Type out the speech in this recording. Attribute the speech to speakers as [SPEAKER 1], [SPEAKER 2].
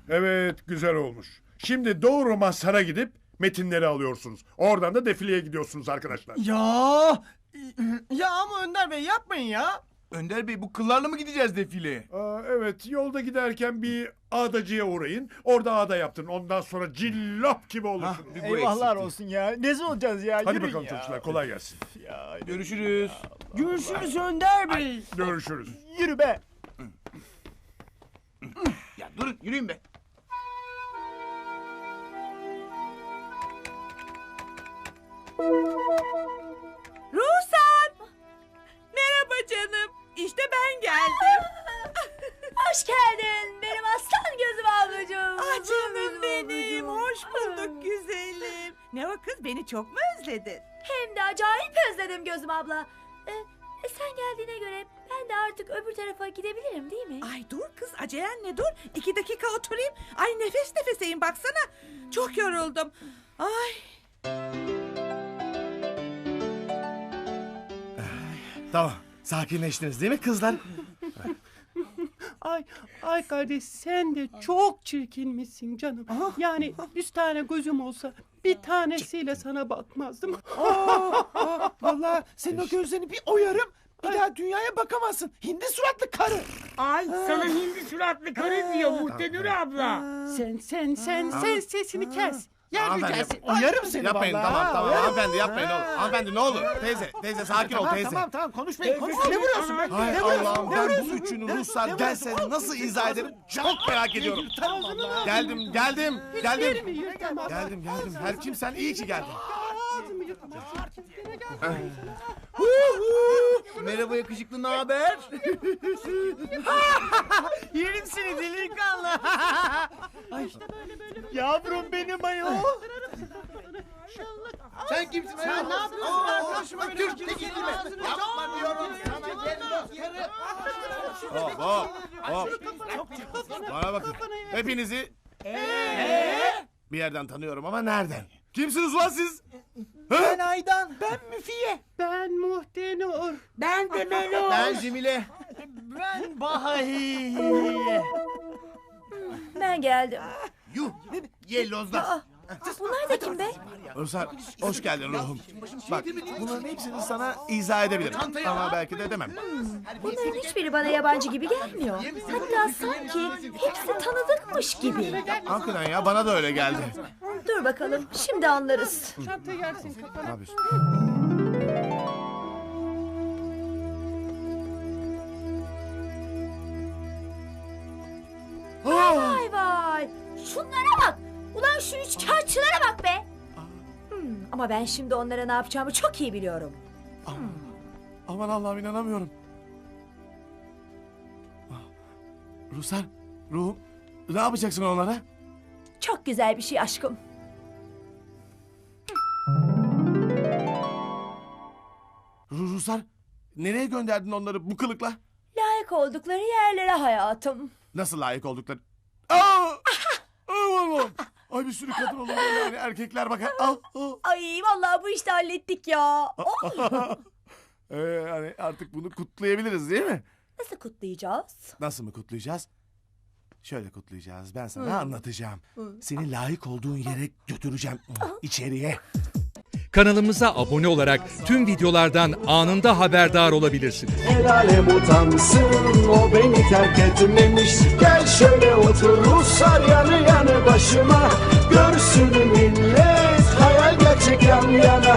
[SPEAKER 1] Evet, güzel olmuş. Şimdi doğru Mazhar'a gidip metinleri alıyorsunuz. Oradan da defileye gidiyorsunuz arkadaşlar.
[SPEAKER 2] Ya ama Önder Bey yapmayın ya.
[SPEAKER 3] Önder Bey bu kıllarla mı gideceğiz defileye?
[SPEAKER 1] Evet, yolda giderken bir ağdacıya uğrayın. Orada ağda yaptırın. Ondan sonra cillop gibi olursunuz.
[SPEAKER 2] Eyvahlar olsun ya. Nezi olacağız ya.
[SPEAKER 1] Hadi
[SPEAKER 2] Yürüyün
[SPEAKER 1] bakalım
[SPEAKER 2] ya.
[SPEAKER 1] çocuklar, kolay gelsin.
[SPEAKER 3] Görüşürüz.
[SPEAKER 2] Görüşürüz Önder Bey.
[SPEAKER 1] Görüşürüz.
[SPEAKER 2] Yürü be.
[SPEAKER 3] Ya durun yürüyün be.
[SPEAKER 4] Ruhsar! Merhaba canım. İşte ben geldim.
[SPEAKER 5] Hoş geldin benim aslan gözüm ablacığım.
[SPEAKER 4] Ah canım benim. Hoş bulduk güzelim. Ne o kız, beni çok mu özledin?
[SPEAKER 5] Hem de acayip özledim gözüm abla. Sen geldiğine göre ben de artık öbür tarafa gidebilirim değil mi?
[SPEAKER 4] Ay dur kız, acelen ne, dur. 2 dakika oturayım. Ay nefes nefeseyim baksana. Çok yoruldum. Ay.
[SPEAKER 6] Tamam. Sakinleştiniz değil mi kızlar?
[SPEAKER 7] Ay kardeş, sen de çok çirkinmişsin canım. Yani 100 tane gözüm olsa bir tanesiyle sana bakmazdım.
[SPEAKER 2] Vallahi senin o gözlerini bir oyarım. Bir daha dünyaya bakamazsın. Hindi suratlı karı.
[SPEAKER 8] Ay sana hindi suratlı karı diyor Muhtenur abla.
[SPEAKER 7] Sen sesini kes. Yer
[SPEAKER 6] Hanımefendi,
[SPEAKER 7] yücelsin.
[SPEAKER 2] Oyarım seni
[SPEAKER 6] Yapmayın,
[SPEAKER 2] vallahi.
[SPEAKER 6] tamam. Hanımefendi yapmayın oğlum. Hanımefendi ne olur. Teyze sakin ol teyze.
[SPEAKER 2] Tamam konuşmayın. Ne vuruyorsun be?
[SPEAKER 6] Hay
[SPEAKER 2] Ne vuruyorsun?
[SPEAKER 6] Allah'ım,
[SPEAKER 2] Ne
[SPEAKER 6] ben
[SPEAKER 2] vuruyorsun?
[SPEAKER 6] bu üçünü
[SPEAKER 2] Ne-
[SPEAKER 6] Ruslar
[SPEAKER 2] ne
[SPEAKER 6] gelse
[SPEAKER 2] vuruyorsun?
[SPEAKER 6] nasıl izah ederim çok merak ediyorum. Geldim.
[SPEAKER 7] Yerimi yırtamaz.
[SPEAKER 6] Geldim. Her kimsen iyi ki geldin.
[SPEAKER 7] Ağzımı yırtamaz.
[SPEAKER 3] Merhaba yakışıklı, ne haber?
[SPEAKER 2] Yerim seni delikanlı. Ay, yavrum benim ayol.
[SPEAKER 3] Sen kimsin?
[SPEAKER 2] Sen ne yapıyorsun arkadaşıma?
[SPEAKER 3] Türk de gitme. Yapma diyorum sana, gel
[SPEAKER 6] Hop. Bana bakın. Hepinizi bir yerden tanıyorum ama nereden? Kimsiniz ulan siz?
[SPEAKER 2] Ben Aydan. Ben Müfiye.
[SPEAKER 7] Ben Muhtenur.
[SPEAKER 8] Ben de Melo.
[SPEAKER 3] Ben Cemile.
[SPEAKER 2] Ben Bahiye.
[SPEAKER 5] Ben geldim.
[SPEAKER 3] Yuh. Yellozlar.
[SPEAKER 5] Bunlar da kim be?
[SPEAKER 6] Ruslar hoş geldin ruhum. Bak bunların hepsini sana izah edebilirim. Ama belki de demem.
[SPEAKER 5] Bunların hiçbiri bana yabancı gibi gelmiyor. Hatta sanki hepsi tanıdıkmış gibi.
[SPEAKER 6] Hakikaten ya, bana da öyle geldi.
[SPEAKER 5] Dur bakalım, şimdi anlarız.
[SPEAKER 7] Çanta gelsin kafana.
[SPEAKER 6] Ne yapıyorsun?
[SPEAKER 5] Vay vay. Şunlara bak. Ulan şu üçkağıtçılara bak be. Ama ben şimdi onlara ne yapacağımı çok iyi biliyorum.
[SPEAKER 6] Aman Allah'ım, inanamıyorum. Ruslar, ruhum, ne yapacaksın onlara?
[SPEAKER 5] Çok güzel bir şey aşkım.
[SPEAKER 6] Ruslar, nereye gönderdin onları bu kılıkla?
[SPEAKER 5] Layık oldukları yerlere hayatım.
[SPEAKER 6] Nasıl layık oldukları? Aa! Aman! Ay bir sürü kadın olur böyle, yani erkekler bakar.
[SPEAKER 5] Ay vallahi bu işte hallettik ya. Oh.
[SPEAKER 6] Hani artık bunu kutlayabiliriz değil mi?
[SPEAKER 5] Nasıl kutlayacağız?
[SPEAKER 6] Nasıl mı kutlayacağız? Şöyle kutlayacağız. Ben sana anlatacağım. Seni layık olduğun yere götüreceğim. İçeriye.
[SPEAKER 9] Kanalımıza abone olarak tüm videolardan anında haberdar olabilirsiniz.
[SPEAKER 10] El alem utansın, o beni terk etmemiş. Gel şöyle otur Ruslar yanı yanı başıma. Görsün millet, hayal gerçek yan yana.